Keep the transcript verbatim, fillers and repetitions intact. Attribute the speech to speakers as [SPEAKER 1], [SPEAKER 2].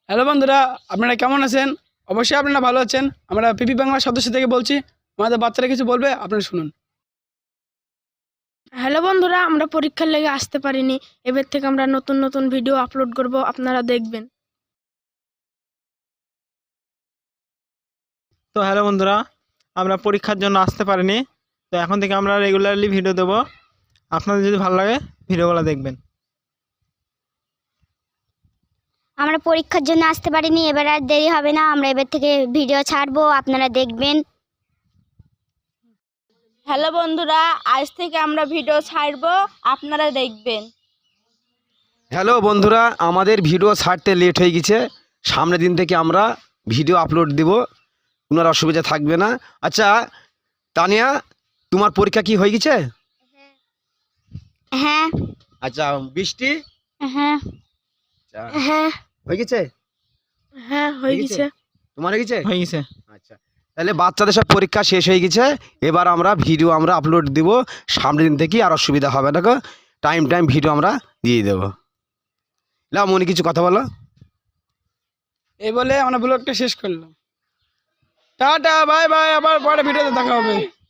[SPEAKER 1] Hello বন্ধুরা, আপনারা কেমন আছেন? অবশ্যই আপনারা ভালো আছেন। আমরা পিপি বাংলার সদস্য থেকে বলছি। আমাদের বাচ্চারা কিছু বলবে, আপনারা শুনুন।
[SPEAKER 2] হ্যালো বন্ধুরা, আমরা পরীক্ষার লেগে আসতে পারিনি। এবার থেকে আমরা নতুন নতুন ভিডিও আপলোড করব, আপনারা দেখবেন।
[SPEAKER 3] তো হ্যালো বন্ধুরা, আমরা পরীক্ষার জন্য আসতে পারিনি। তো এখন থেকে আমরা রেগুলারলি ভিডিও দেবো। আপনাদের যদি ভালো লাগে ভিডিওগুলো দেখবেন।
[SPEAKER 4] আমরা পরীক্ষার জন্য আসতে পারিনি, এবার আর দেরি হবে না, আমরা এবার থেকে ভিডিও ছাড়বো, আপনারা দেখবেন।
[SPEAKER 5] হ্যালো বন্ধুরা, আজ থেকে আমরা ভিডিও ছাড়বো, আপনারা দেখবেন।
[SPEAKER 6] হ্যালো বন্ধুরা, আমাদের ভিডিও ছাড়তে লেট হয়ে গেছে। সামনের দিন থেকে আমরা ভিডিও আপলোড দেব, কোনো আর অসুবিধা থাকবে না। আচ্ছা তানিয়া, তোমার পরীক্ষা কি হয়ে গেছে?
[SPEAKER 4] হ্যাঁ
[SPEAKER 6] আচ্ছা বৃষ্টি,
[SPEAKER 4] হ্যাঁ
[SPEAKER 6] আচ্ছা,
[SPEAKER 2] হ্যাঁ
[SPEAKER 6] হয়ে গেছে?
[SPEAKER 2] হ্যাঁ হয়ে
[SPEAKER 6] হয়ে গেছে?
[SPEAKER 2] গেছে।
[SPEAKER 6] তোমার হয়ে গেছে?
[SPEAKER 3] হয়ে গেছে।
[SPEAKER 6] আচ্ছা, তাহলে বাচ্চাদের সব পরীক্ষা শেষ হয়ে গেছে। এবার আমরা ভিডিও আমরা আপলোড দিব। সামনের দিন থেকে আর অসুবিধা হবে না গো, টাইম টাইম ভিডিও আমরা দিয়ে দেবো। না মনে কিছু কথা বলো।
[SPEAKER 1] এই বলে আমরা ব্লগটা শেষ করলাম। টাটা, বাই বাই, আবার পরে ভিডিওতে দেখা হবে।